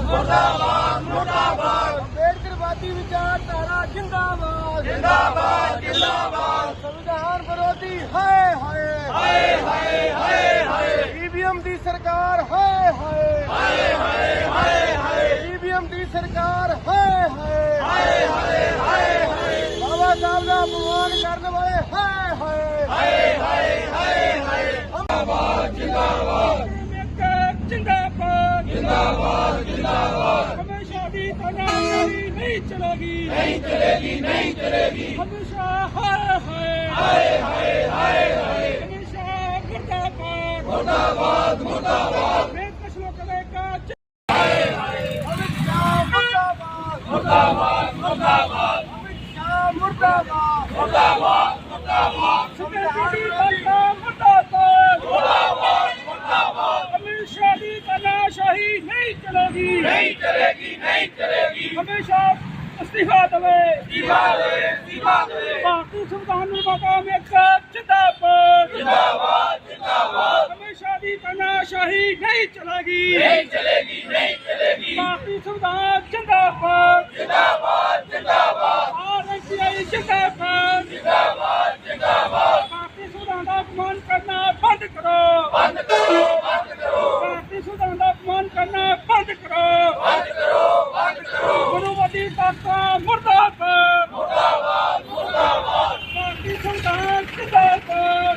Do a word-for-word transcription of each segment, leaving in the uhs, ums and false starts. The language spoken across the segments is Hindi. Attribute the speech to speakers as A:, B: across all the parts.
A: मुर्दाबाद मुर्दाबाद
B: अंबेडकरवादी विचारधारा जिंदाबाद
A: जिंदाबाद जिंदाबाद
B: संविधान विरोधी हाय हाय
A: हाय हाय हाय हाय
B: ईवीएम दी सरकार हाय हाय
A: हाय हाय हाय हाय
B: ईवीएम दी सरकार हाय हाय
A: हाय हाय हाय हाय
B: बाबा साहब का अपमान करने वाले हाय हाय
A: हाय हाय हाय हाय जिंदाबाद जिंदाबाद
B: जिंदाबाद
A: जिंदाबाद जिंदाबाद
B: हमेशा भी तानाशाही नहीं चलेगी
A: नहीं चलेगी नहीं चलेगी
B: हमेशा हाय हाय
A: हाय हाय हाय हाय
B: हमेशा मुर्दाबाद
A: मुर्दाबाद मुर्दाबाद
B: बेकस लोकले का
A: हाय हाय
B: अमित शाह मुर्दाबाद
A: मुर्दाबाद मुर्दाबाद
B: अमित शाह मुर्दाबाद
A: मुर्दाबाद मुर्दाबाद
B: संविधान का मुर्दाबाद
A: मुर्दाबाद मुर्दाबाद
B: अमित शाह की तानाशाही नहीं चलेगी
A: नहीं चलेगी नहीं चलेगी
B: हमेशा इस्तीफा दे
A: इस्तीफा दे इस्तीफा दे
B: भारतीय संविधान निर्माता में जिंदाबाद
A: जिंदाबाद जिंदाबाद
B: हमेशा की तानाशाही नहीं चलेगी
A: नहीं चलेगी नहीं चलेगी
B: भारतीय संविधान जिंदाबाद
A: जिंदाबाद जिंदाबाद
B: आरएसआई जिंदाबाद
A: जिंदाबाद जिंदाबाद
B: भारतीय संविधान का अपमान करना बंद करो
A: बंद करो बंद करो
B: भारतीय संविधान का अपमान करना बंद करो
A: बंद करो बंद करो
B: गुरुवादी ताकत मुर्दाबाद
A: मुर्दाबाद मुर्दाबाद
B: भारतीय संविधान जिंदाबाद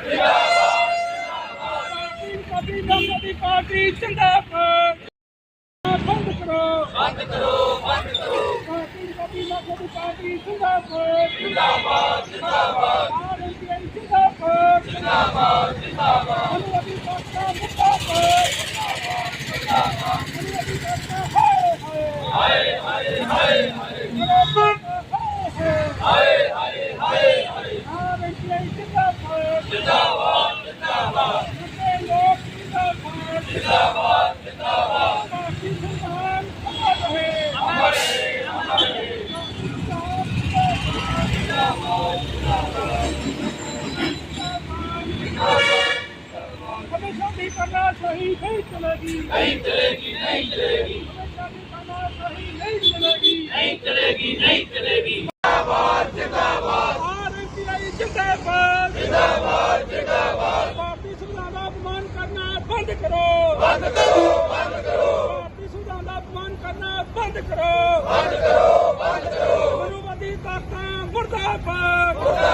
A: जिंदाबाद
B: भारतीय जनता पार्टी जिंदाबाद बंद करो
A: बंद करो बंद करो
B: भारतीय जनता पार्टी जिंदाबाद
A: जिंदाबाद जिंदाबाद
B: आरएसआई जिंदाबाद
A: जिंदाबाद जिंदाबाद
B: गुरुवादी ताकत मुर्दाबाद गुरुवादी ताकत हाय हाय
A: हाय हाय हाय
B: हाय
A: हाय हाय हाय हाय
B: आरएसआई जिंदाबाद
A: जिंदाबाद जिंदाबाद
B: मुस्लिम लोग जिंदाबाद
A: जिंदाबाद जिंदाबाद
B: भारतीय संविधान अमर रहे
A: अमर रहे अमर रहे
B: हमेशा भी करना सही नहीं चलेगी
A: नहीं चलेगी नहीं चलेगी
B: हमेशा भी करना सही नहीं चलेगी
A: नहीं चलेगी नहीं चलेगी जिंदाबाद जिंदाबाद
B: आरएसआई जिंदाबाद
A: जिंदाबाद जिंदाबाद
B: भारतीय संविधान का अपमान करना बंद करो
A: बंद करो बंद करो
B: भारतीय संविधान का अपमान करना बंद करो
A: बंद करो बंद करो
B: गुरुवादी ताकत मुर्दाबाद
A: मुर्दाबाद